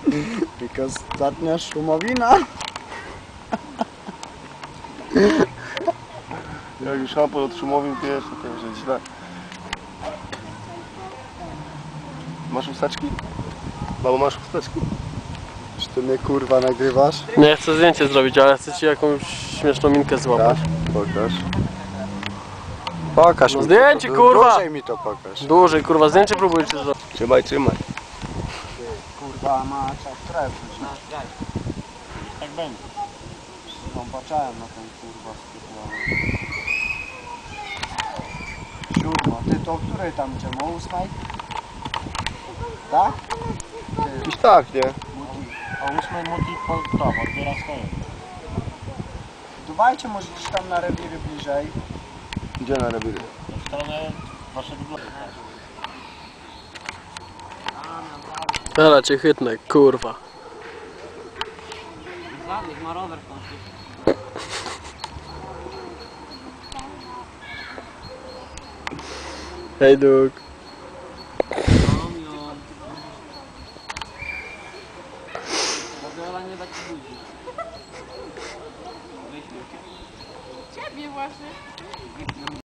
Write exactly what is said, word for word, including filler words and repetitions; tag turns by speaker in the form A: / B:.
A: Because ostatnia szumowina.
B: Jak już szampon od szumowin pijesz, to to już jest źle. Masz chusteczki? Mamo, masz chusteczki?
A: Czy ty mnie kurwa nagrywasz?
C: Nie chcę zdjęcie zrobić, ale chcę ci jakąś śmieszną minkę złapać.
A: Pokaż. Pokaż
C: No
A: mi
C: zdjęcie,
A: to.
C: kurwa!
A: Dłużej mi to pokaż.
C: Dłużej, kurwa, zdjęcie próbuję ci zrobić.
B: Trzymaj, trzymaj.
A: Kurwa ma czas trefność. Tak będzie. Zobaczyłem na ten kurwa skupiony. Siódma. Ty to o której tam idziemy? O ósmej? Tak?
B: Iż tak, nie?
A: O ósmej multi po to, odbiera swoje. Dbajcie może gdzieś tam na rewiry bliżej.
B: Gdzie na rewiry?
A: W stronę waszego bloku.
C: Dobra, cię chytnę, kurwa.
D: Żadnych, ma rower w końcu.
C: Hej, Duk.
D: Wiola nie da ci budzi.
E: Ciebie właśnie.